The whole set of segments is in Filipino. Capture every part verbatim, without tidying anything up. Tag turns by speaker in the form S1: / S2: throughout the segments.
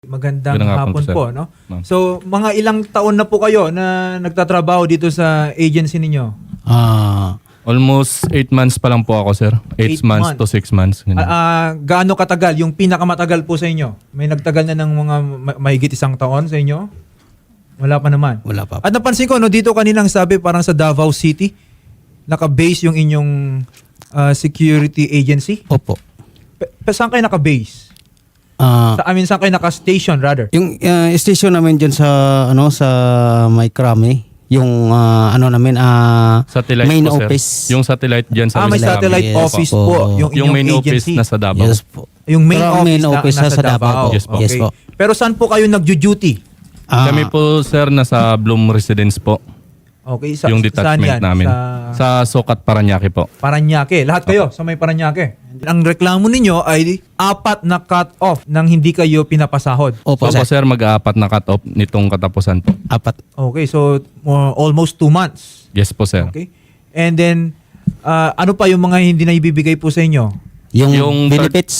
S1: Magandang
S2: Magandang hapon
S1: hapon
S2: po, sir.
S1: po, no?
S2: Ma'am.
S1: So, mga ilang taon na po kayo na nagtatrabaho dito sa agency ninyo?
S3: Ah,
S2: Almost eight months pa lang po ako, sir.
S1: Eight
S2: eight months,
S1: months.
S2: to six months. ganun.
S1: Ah, ah, gaano katagal? Yung pinakamatagal po sa inyo? May nagtagal na ng mga ma- mahigit isang taon sa inyo? Wala pa naman.
S3: wala pa.
S1: At napansin ko, no, dito kaninang sabi parang sa Davao City, naka-base yung inyong ah, security agency.
S3: Opo.
S1: Pe- pe- saan kayo naka-base?
S3: Ah,
S1: Sa, I mean, saan kayo naka-station rather?
S3: yung ah, station namin diyan sa ano sa May Krami, yung ah, ano namin ah
S2: Satellite
S3: main
S2: po, sir.
S3: office.
S2: Yung satellite dyan sa
S1: Ah, may
S2: Miami.
S1: satellite
S3: Yes,
S1: office
S3: po.
S1: po, yung
S2: Yung
S1: inyong
S2: main office
S1: agency.
S2: na sa Davao.
S3: Yes po.
S1: Yung main
S3: Pero ang
S1: office,
S3: main
S1: na,
S3: office
S1: nasa,
S3: nasa Davao.
S1: Davao.
S2: Yes po.
S3: Yes po.
S1: Pero saan po kayo nagjo-duty?
S3: Ah,
S2: Kami po, sir, nasa Bloom Residence po.
S1: Okay, sa,
S2: yung
S1: saan
S2: detachment
S1: yan?
S2: namin.
S1: Sa
S2: Sa Sokat, Paranaque po.
S1: Paranaque. Lahat kayo sa may Paranaque. Ang reklamo ninyo ay apat na cut-off nang hindi kayo pinapasahod.
S3: Opo,
S2: So po,
S3: sir.
S2: sir, mag-aapat na cut-off nitong katapusan po.
S3: Apat.
S1: Okay, so uh, almost two months.
S2: Yes po, sir.
S1: Okay? And then, uh, ano pa yung mga hindi na ibibigay po sa inyo?
S3: Yung,
S2: Yung third-
S3: benefits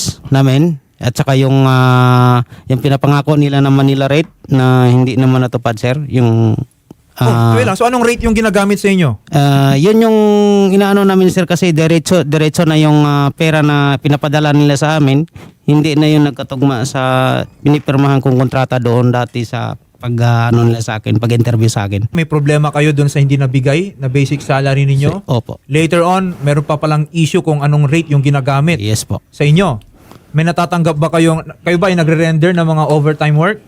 S3: namin at saka yung ah, yung pinapangako nila na Manila rate na hindi naman natupad, sir. Yung
S1: Oh,
S3: ah,
S1: wait lang. So, anong rate yung ginagamit sa inyo?
S3: Ah, yun yung inaano namin, sir, kasi diretso diretso na yung ah, pera na pinapadala nila sa amin, hindi na yung nagkatugma sa pinipirmahan kong kontrata doon dati sa pag ah, ano nila sa akin, pag-interview sa akin.
S1: May problema kayo doon sa hindi nabigay na basic salary ninyo?
S3: Opo.
S1: Later on, meron pa palang issue kung anong rate yung ginagamit
S3: Yes po.
S1: sa inyo. May natatanggap ba kayong, kayo ba ay nagre-render ng mga overtime work?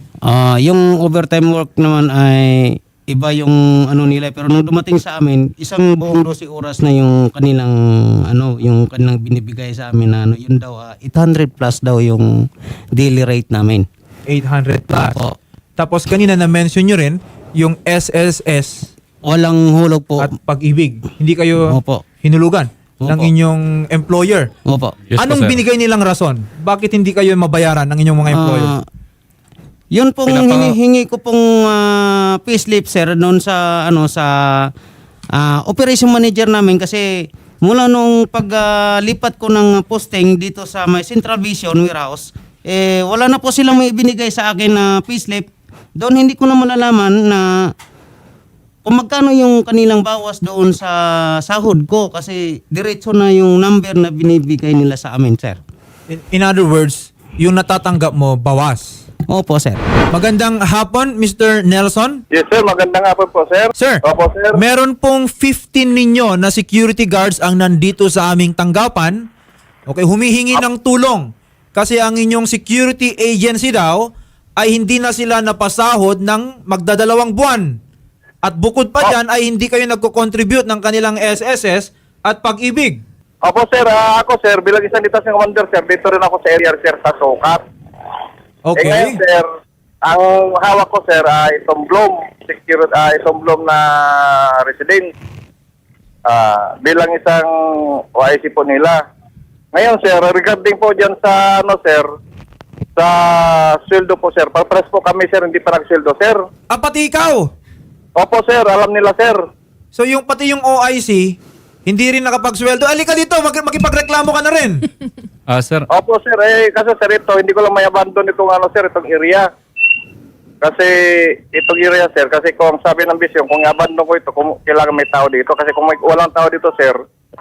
S3: Ah, yung overtime work naman ay iba yung ano nila, pero nung dumating sa amin, isang buong dosi oras na yung kanilang ano, yung kanilang binibigay sa amin na ano, yun daw ah, eight hundred plus daw yung daily rate namin.
S1: eight hundred plus.
S3: Opo.
S1: Tapos kanina na-mention nyo rin yung S S S
S3: Walang hulog po.
S1: at pag-ibig. Hindi kayo
S3: Opo.
S1: hinulugan
S3: Opo.
S1: ng inyong employer.
S3: Opo.
S2: Yes po,
S1: Anong
S2: sir.
S1: binigay nilang rason? Bakit hindi kayo mabayaran ng inyong mga employer?
S3: Ah, yun pong
S2: Pinapa-
S3: hinihingi ko pong uh, payslip, sir, noon sa ano sa ah, operation manager namin, kasi mula nung paglipat ko ng posting dito sa may Central Vision warehouse, eh wala na po silang may ibinigay sa akin na payslip. Doon hindi ko na malalaman na kung magkano yung kanilang bawas doon sa sahod ko, kasi diretso na yung number na binibigay nila sa amin, sir.
S1: In, in other words, yung natatanggap mo, bawas.
S3: Opo, sir.
S1: Magandang hapon, Mister Nelson.
S4: Yes sir, magandang hapon po sir.
S1: Sir,
S4: Opo sir.
S1: meron pong fifteen ninyo na security guards ang nandito sa aming tanggapan. Okay, humihingi ng tulong. Kasi ang inyong security agency daw ay hindi na sila napasahod ng magdadalawang buwan. At bukod pa dyan ay hindi kayo nagko-contribute ng kanilang S S S at pag-ibig.
S4: Opo sir, ah, ako sir, bilang isang detachment commander sir, dito rin ako sa area sir sa Sokat. Eh
S1: Okay.
S4: ngayon sir, ang hawak ko sir ay itong Bloom, security, ah, itong Bloom na resident. Ah, bilang isang O I C po nila. Ngayon sir, regarding po dyan sa ano sir, sa sweldo po sir, papres po kami sir, hindi pa nagsweldo sir.
S1: Ah, pati ikaw.
S4: Opo sir, alam nila sir.
S1: So yung pati yung O I C, hindi rin nakapagsweldo. Alika dito, mag- makipagreklamo ka na rin.
S2: Ah, sir,
S4: Opo sir, eh kasi sir ito, hindi ko lang may abandon itong ano sir, itong area. Kasi itong area sir, kasi kung sabi ng bisyon, kung i-abandon ko ito, kung kailangan may tao dito. Kasi kung may walang tao dito sir,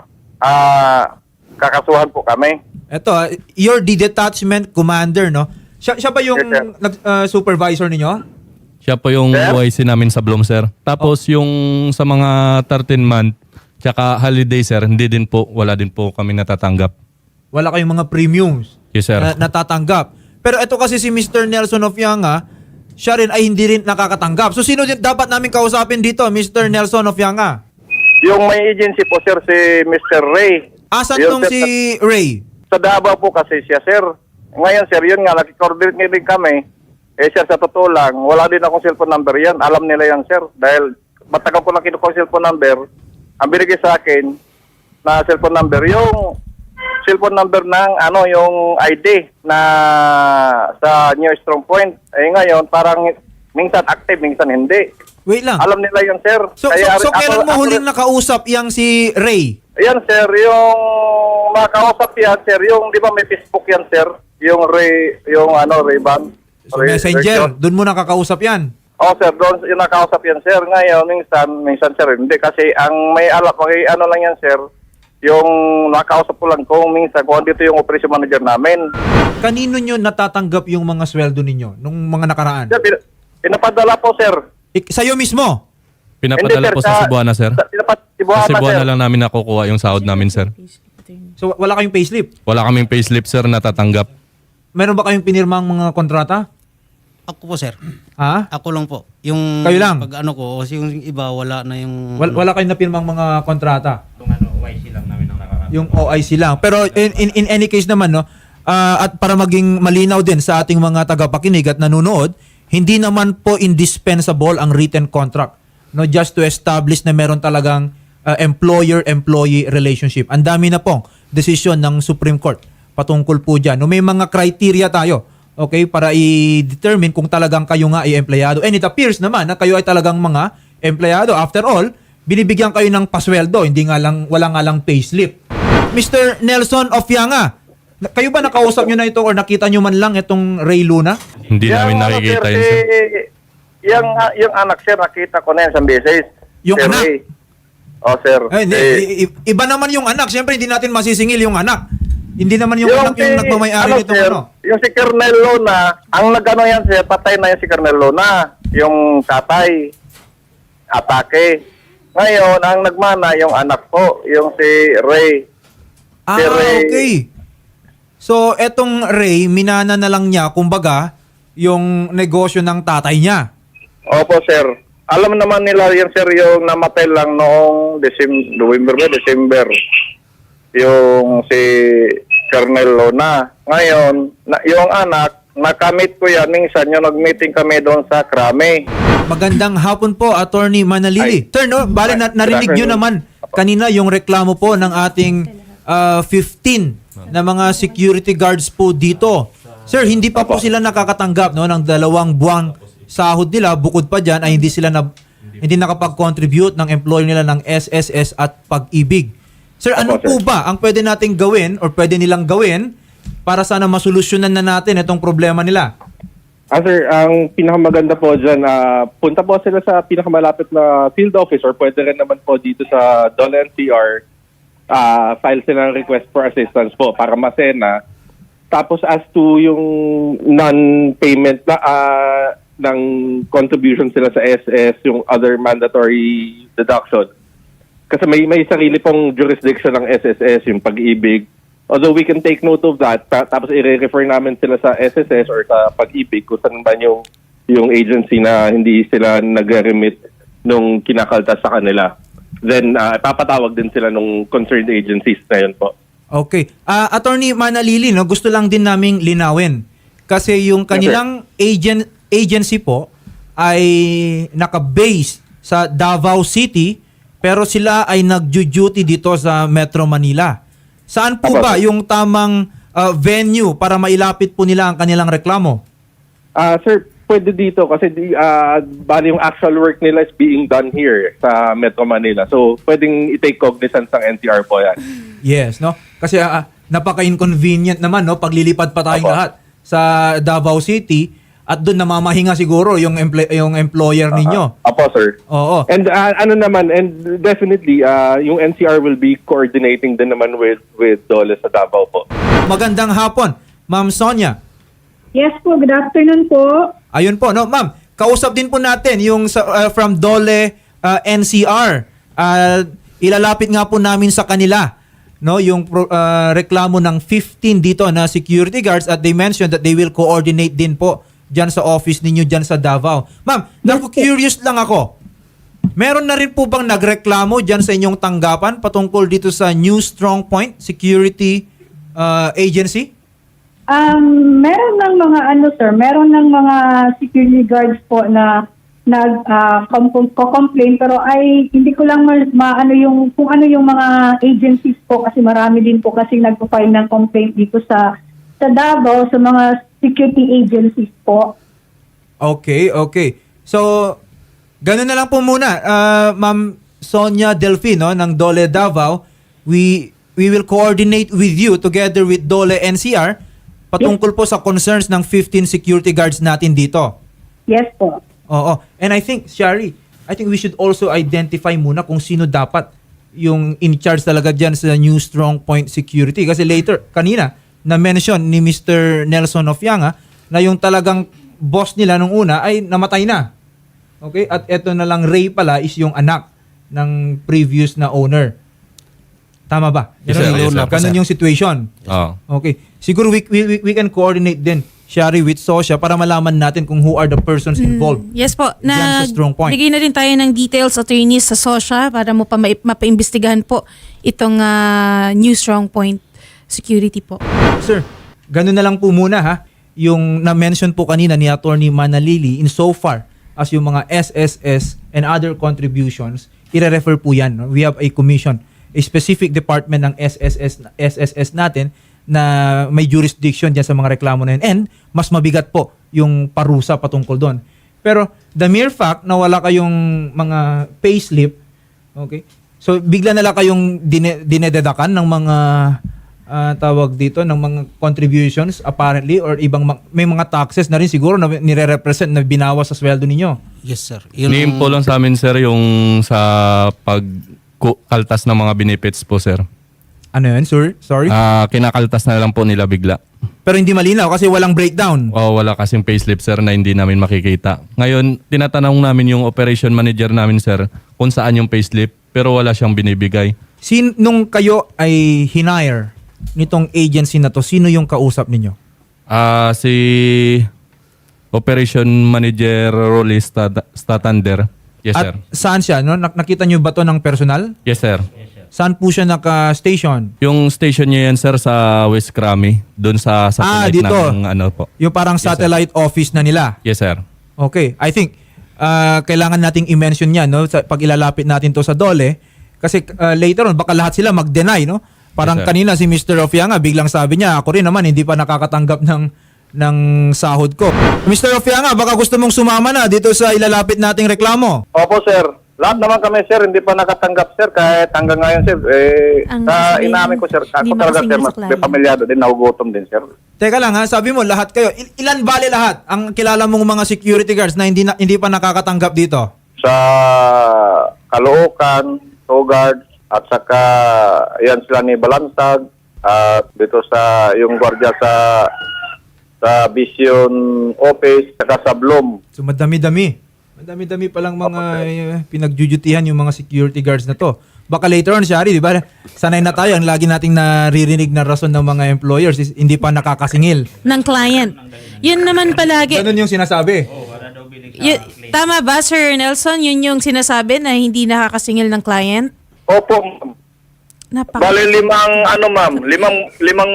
S4: ah, kakasuhan po kami.
S1: Ito, ah, you're the detachment commander, no? Siya, siya ba yung
S4: Yes, sir.
S1: nag- ah, supervisor ninyo?
S2: siya po yung
S4: Sir?
S2: O I C namin sa Bloom, sir. Tapos yung sa mga thirteen month, tsaka holiday, sir, hindi din po, wala din po kami natatanggap.
S1: Wala kayong mga premiums
S2: Yes, sir.
S1: na natatanggap. Pero ito kasi si Mister Nelson of Yanga, siya rin ay hindi rin nakakatanggap. So sino din dapat namin kausapin dito, Mister Nelson of Yanga?
S4: Yung may agency po sir, si Mister Ray.
S1: Asan
S4: Yun,
S1: tong
S4: sir,
S1: si Ray?
S4: Sa Davao po kasi siya sir. Ngayon sir, yun nga, nag-coordinate din kami. Eh sir, sa totoo lang, wala din akong cellphone number yan. Alam nila yan sir. Dahil matagal ko lang kinukuha yung cellphone number. Ang binigay sa akin na cellphone number, yung cellphone number ng ano, yung I D na sa New Strong Point. Eh ngayon, parang minsan active, minsan hindi.
S1: Wait lang.
S4: Alam nila yan sir.
S1: So, so,
S4: Kaya
S1: so
S4: ako-
S1: kailan mo
S4: ako-
S1: huling nakausap yang si Ray?
S4: Yan sir, yung makausap yan sir, yung di ba may Facebook yan sir? yung Ray, yung ano, Ray-Ban.
S1: So, messenger, doon mo nakakausap yan.
S4: Oh, sir, doon yung nakausap yan, sir. Ngayon, minsan, minsan, sir, hindi. Kasi ang may alap, may ano lang yan, sir, yung nakausap ko lang kung minsan, kung dito yung operation manager namin.
S1: Kanino nyo natatanggap yung mga sweldo ninyo nung mga nakaraan?
S4: Sir, pin- pinapadala po, sir.
S1: Ik- sa'yo mismo?
S2: Pinapadala
S4: Hindi, sir,
S2: po sa Cebuana, sir.
S4: Sa, pinapat,
S2: Sa
S4: Cebuana,
S2: Cebuana
S4: sir.
S2: lang namin nakukuha yung sahod namin, sir.
S1: So wala kayong payslip?
S2: Wala kaming payslip, sir, natatanggap.
S1: Meron ba kayong pinirmang mga kontrata?
S3: Ako po, sir.
S1: Ha?
S3: Ako lang po. Yung
S1: Kayo lang?
S3: pag ano ko, kasi yung iba wala na yung
S1: Wal- wala kayong napirmang mga kontrata?
S3: yung ano, O I C lang namin ang nakaraan.
S1: Yung O I C lang. Pero in, in, in any case naman, no, ah, at para maging malinaw din sa ating mga tagapakinig at nanonood, hindi naman po indispensable ang written contract. No, just to establish na meron talagang ah, employer-employee relationship. Ang dami na pong desisyon ng Supreme Court patungkol po dyan. No, may mga criteria tayo, okay, para i-determine kung talagang kayo nga ay empleyado. And it appears naman na kayo ay talagang mga empleyado. After all, binibigyan kayo ng pasweldo, hindi nga lang, wala nga lang payslip. Mister Nelson Ofianga, na- kayo ba nakausap nyo na ito or nakita nyo man lang itong Ray Luna?
S2: Hindi
S4: Yung
S2: namin
S4: ano,
S2: nakikita
S4: sir,
S2: yun, sir.
S4: si- Yung, ah, yung anak, sir, nakita ko na yan sa beses.
S1: Yung
S4: Sir
S1: anak?
S4: Ray. Oh, sir.
S1: Ay, hindi,
S4: Eh,
S1: i- i- iba naman yung anak. Siyempre, hindi natin masisingil yung anak. Hindi naman yung, anak yung
S4: si-
S1: nagmamayari
S4: ano,
S1: nitong
S4: sir,
S1: ano.
S4: Yung si Colonel Luna, ang nagano yan, sir, patay na yan si Colonel Luna. Yung tatay, atake. Ngayon, ang nagmana, yung anak po, yung si Ray.
S1: Ah,
S4: Si Ray.
S1: okay. So, etong Ray, minana na lang niya, kumbaga, yung negosyo ng tatay niya.
S4: Opo, sir. Alam naman nila yan, sir, yung namatay lang noong December, November ba? December. Yung si Colonel Luna. Ngayon, na, yung anak, nakamit ko yan. Minsan, yung nag-meeting kami doon sa Krame.
S1: Magandang hapon po, Attorney Manalili.
S4: Ay.
S1: Sir, no, bale, na, narinig nyo naman kanina yung reklamo po ng ating ah, fifteen na mga security guards po dito. Sir, hindi pa po sila nakakatanggap no, ng dalawang buwang sahod nila. Bukod pa dyan ay hindi sila na, hindi nakapag-contribute ng employer nila ng S S S at Pag-ibig. Sir, ano
S4: Opo,
S1: po
S4: sir.
S1: ba ang pwede nating gawin or pwede nilang gawin para sana masolusyonan na natin itong problema nila?
S5: Ah, sir, ang pinakamaganda po dyan, ah, punta po sila sa pinakamalapit na field office or pwede rin naman po dito sa D O L E N C R, ah, file sila ng request for assistance po para masena. Tapos as to yung non-payment na ah, ng contribution sila sa S S, yung other mandatory deduction. Kasi may may sarili pong jurisdiction ng S S S, yung Pag-ibig. Although we can take note of that, ta- tapos i-refer namin sila sa S S S or sa Pag-ibig kung saan ba yung, yung agency na hindi sila nag-remit nung kinakaltas sa kanila. Then, uh, papatawag din sila nung concerned agencies na yun po.
S1: Okay. Ah, Attorney Manalili, no, gusto lang din naming linawin. Kasi yung kanilang agent, agency po ay naka-base sa Davao City pero sila ay nag-duty dito sa Metro Manila. Saan po
S5: Apo,
S1: ba
S5: sir.
S1: yung tamang ah, venue para mailapit po nila ang kanilang reklamo?
S5: Ah, sir, pwede dito kasi di, ah, bali yung actual work nila is being done here sa Metro Manila. So, pwedeng i-take cognizance ng N C R po yan.
S1: Yes, no? Kasi ah, napaka-inconvenient naman, no? Paglilipad pa tayong
S5: Apo.
S1: lahat sa Davao City at doon namamahinga siguro yung, emple- yung employer ninyo.
S5: Apo, sir.
S1: Oo.
S5: And uh, ano naman, and definitely, uh, yung N C R will be coordinating din naman with with D O L E sa Davao po.
S1: Magandang hapon, Ma'am Sonia.
S6: Yes po, good afternoon po.
S1: Ayun po, no, Ma'am. Kausap din po natin yung sa, uh, from D O L E uh, N C R. Uh, ilalapit nga po namin sa kanila no yung pro- uh, reklamo ng fifteen dito na security guards at they mentioned that they will coordinate din po diyan sa office ninyo diyan sa Davao. Ma'am, naku-curious lang ako. Meron na rin po bang nagreklamo diyan sa inyong tanggapan patungkol dito sa New Strong Point Security uh, Agency?
S6: Um, meron ng mga ano sir, meron ng mga security guards po na nag uh, com- complain pero ay hindi ko lang ma- maano yung kung ano yung mga agencies po kasi marami din po kasi nagpo-file ng complaint dito sa sa Davao sa mga security agencies po.
S1: Okay, okay. So, ganun na lang po muna. Uh, Ma'am Sonia Delfino ng D O L E Davao, we we will coordinate with you together with D O L E N C R patungkol po sa concerns ng fifteen security guards natin dito.
S6: Yes po.
S1: Oo. And I think, Shari, I think we should also identify muna kung sino dapat yung in charge talaga dyan sa New Strong Point Security. Kasi later, kanina, na-mention ni Mister Nelson of Yanga na yung talagang boss nila nung una ay namatay na. Okay? At eto na lang, Ray pala is yung anak ng previous na owner. Tama ba?
S2: Yes, sir. Yes, sir.
S1: Ganun yung situation.
S2: Oo.
S1: Okay. Siguro we, we, we can coordinate din, Shari, with Sosya para malaman natin kung who are the persons involved.
S7: Yes po.
S1: Diyan sa
S7: Na
S1: Strong Point.
S7: bigay na rin tayo ng details, attorneys sa SOSHA para mo pa ma- mapaimbestigahan po itong ah, New Strong Point Security po.
S1: Sir, ganun na lang po muna ha. Yung na-mention po kanina ni Attorney Manalili in so far as yung mga S S S and other contributions, ire-refer po yan. No? We have a commission, a specific department ng S S S, S S S natin na may jurisdiction dyan sa mga reklamo na yun. And mas mabigat po yung parusa patungkol doon. Pero the mere fact na wala kayong mga payslip, okay, so bigla na lang kayong dine- dinededakan ng mga ah, tawag dito, ng mga contributions apparently or ibang ma- may mga taxes na rin siguro na nire-represent na binawas sa sweldo ninyo.
S3: Yes, sir.
S2: Ni-info lang sa amin, sir, yung sa pagkaltas ng mga benefits po, sir.
S1: Ano yun, sir? Sorry?
S2: Ah, kinakaltas na lang po nila bigla.
S1: Pero hindi malinaw kasi walang breakdown.
S2: O wala kasing payslip, sir, na hindi namin makikita. Ngayon, tinatanong namin yung operation manager namin, sir, kung saan yung payslip, pero wala siyang binibigay.
S1: Sin nung kayo ay hinire nitong agency na to, sino yung kausap ninyo?
S2: Ah, si operation manager Rolly Stat- Statander. Yes,
S1: At
S2: sir.
S1: saan siya? No? Nak- nakita nyo ba to ng personal?
S2: Yes, sir.
S1: Saan po siya naka-station?
S2: Yung station niya yan, sir, sa West Crami. Doon sa
S1: Ah,
S2: satellite
S1: dito.
S2: ng ano po.
S1: Yung parang
S2: sir.
S1: satellite office na nila.
S2: Yes, sir.
S1: Okay. I think uh, kailangan nating i-mention yan no? Sa, pag ilalapit natin to sa DOLE. Kasi uh, later on, baka lahat sila mag-deny. No? Parang
S2: Yes, sir.
S1: kanina si Mister Ofianga, biglang sabi niya, ako rin naman, hindi pa nakakatanggap ng, ng sahod ko. Mister Ofianga, baka gusto mong sumama na dito sa ilalapit nating reklamo.
S4: Opo, sir. Lahat naman kami, sir, hindi pa nakatanggap, sir. Kahit hanggang ngayon, sir, eh,
S7: Ang
S4: sa
S7: sabihin,
S4: inamin ko, sir,
S7: hindi
S4: ako talaga,
S7: makasingil
S4: sir,
S7: sa
S4: mas
S7: client.
S4: may pamilyado din, nagugutom din, sir.
S1: Teka lang ha, sabi mo lahat kayo. Il- ilan bale lahat ang kilala mong mga security guards na hindi na, hindi pa nakakatanggap dito?
S4: Sa Caloocan, Togard, at saka, yan sila ni Balansag, at dito sa, yung gwardiya sa, sa Vision Office, saka sa Bloom.
S1: So madami-dami. Madami-dami palang mga uh, pinagjujutihan yung mga security guards na to. Baka later on, Shari, di ba? Sanay na tayo. Ang lagi nating naririnig na rason ng mga employers is hindi pa nakakasingil.
S7: Ng client. Yun naman palagi.
S1: Ganun yung sinasabi.
S7: Y- tama ba, Sir Nelson? Yun yung sinasabi na hindi nakakasingil ng client?
S4: Opo, ma'am.
S7: Napaka-
S4: Bali limang, ano ma'am, limang, limang,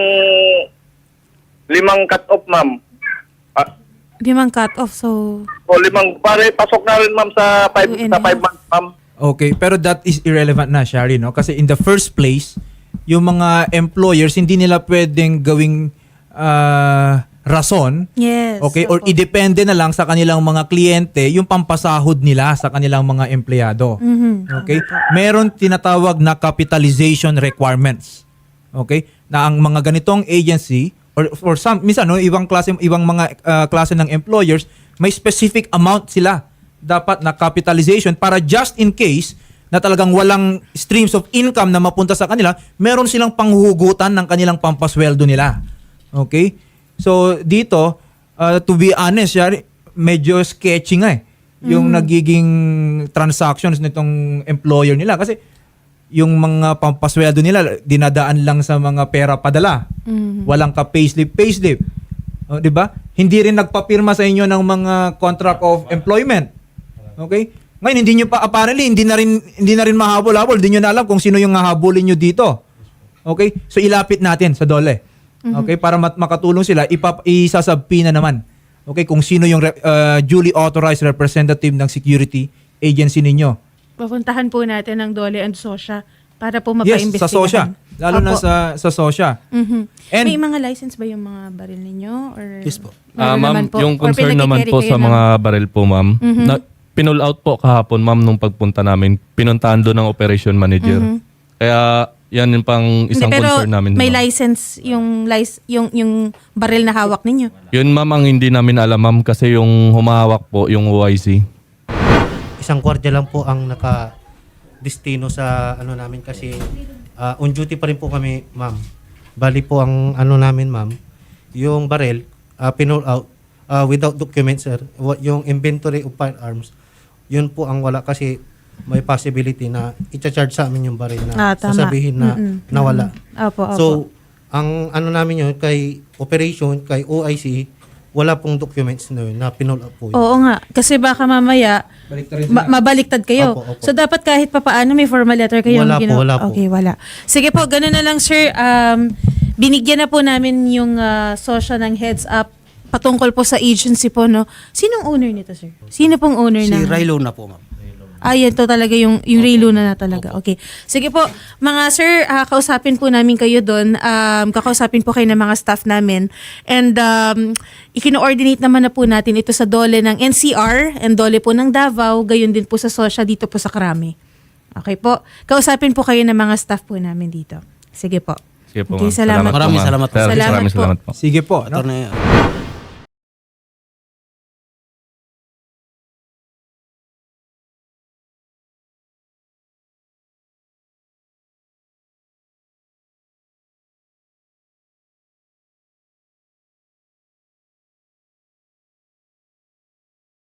S4: limang cut-off, ma'am. Ah,
S7: Limang cut-off, so...
S4: o limang, pare, pasok na rin, ma'am, sa five,
S7: Two and
S4: sa
S7: a
S4: five
S7: half.
S4: months, ma'am.
S1: Okay, pero that is irrelevant na, Shari, no? Kasi in the first place, yung mga employers, hindi nila pwedeng gawing ah, rason.
S7: Yes.
S1: Okay, or
S7: opo.
S1: idepende na lang sa kanilang mga kliyente yung pampasahod nila sa kanilang mga empleyado.
S7: Mhm.
S1: Okay? Meron tinatawag na capitalization requirements. Okay? Na ang mga ganitong agency or or some minsan no ibang klase ibang mga uh, klase ng employers may specific amount sila dapat na capitalization para just in case na talagang walang streams of income na mapunta sa kanila, meron silang panghuhugutan ng kanilang pampasweldo nila. Okay? So dito, uh, to be honest, Shari, medyo sketchy nga eh. Yung nagiging transactions nitong employer nila. Kasi yung mga pampasweldo nila, dinadaan lang sa mga pera padala. Walang ka payslip, payslip. O, di ba? Hindi rin nagpapirma sa inyo ng mga contract of employment. Okay? Ngayon, hindi nyo pa, apparently, hindi na rin, hindi na rin mahabol-habol. Hindi nyo na alam kung sino yung hahabulin nyo dito. Okay? So, ilapit natin sa DOLE. Okay? Para mat- makatulong sila, ipap- isasabpi na naman. Okay? Kung sino yung re- uh, duly authorized representative ng security agency ninyo.
S7: Pupuntahan po natin ang DOLE and SOSHA para po
S1: Yes,
S7: mapaimbestigahan.
S1: sa SOSHA. Lalo na
S7: Opo.
S1: sa sa SOSHA.
S7: Mhm.
S1: And-
S7: May mga license ba yung mga baril ninyo? Or
S3: Yes po.
S2: Ah,
S7: meron
S2: ma'am,
S7: naman po?
S2: yung
S7: Or
S2: concern naman
S7: pinag-i-carry
S2: po
S7: kayo
S2: sa
S7: ng-
S2: mga baril po, ma'am. Na, pinull out po kahapon, ma'am, nung pagpunta namin. Pinuntahan doon ng operation manager. Kaya Yan yung pang isang
S7: Hindi, pero
S2: concern namin.
S7: may
S2: ma'am.
S7: license yung lic- yung yung baril na hawak ninyo.
S2: Yun ma'am ang hindi namin alam ma'am kasi yung humahawak po yung O I C.
S8: Isang gwardiya lang po ang naka-destino sa ano namin kasi ah, on duty pa rin po kami, ma'am. Bali po ang ano namin, ma'am, yung barrel, uh, pinull out ah, without documents, sir. Wa- Yung inventory of firearms, yun po ang wala kasi may possibility na i-charge sa amin yung baril na
S7: Ah, tama.
S8: sasabihin na
S7: Mm-mm.
S8: nawala.
S7: Opo, opo.
S8: So, ang ano namin yun, kay operation, kay O I C, wala pong documents na yun, na pinull out po yun.
S7: Oo nga, kasi baka mamaya ma- mabaliktad kayo.
S8: Opo, opo.
S7: So dapat kahit papaano may formal letter kayo.
S8: Wala po, wala po.
S7: Okay, wala. Sige po, ganun na lang sir. Um, binigyan na po namin yung uh, social ng heads up patungkol po sa agency po, no? Sinong owner nito, sir? Sino pong owner
S3: Si
S7: na?
S3: Rilo na po, ma'am.
S7: Ah, yan to talaga yung, yung Ray Luna na talaga. Okay. Sige po, mga sir, ah, kausapin po namin kayo doon. Um, kakausapin po kayo ng mga staff namin. And um, ikino-ordinate naman na po natin ito sa dole ng N C R and dole po ng Davao, gayon din po sa Sosya dito po sa Krami. Okay po. Kausapin po kayo ng mga staff po namin dito. Sige po.
S2: Sige po
S7: Okay,
S2: ma'am.
S7: salamat po.
S3: Maraming
S2: ma'am.
S3: salamat po.
S2: Sir,
S7: Salamat
S2: maraming
S7: po.
S2: salamat po.
S1: Sige po. No?
S3: Attorney,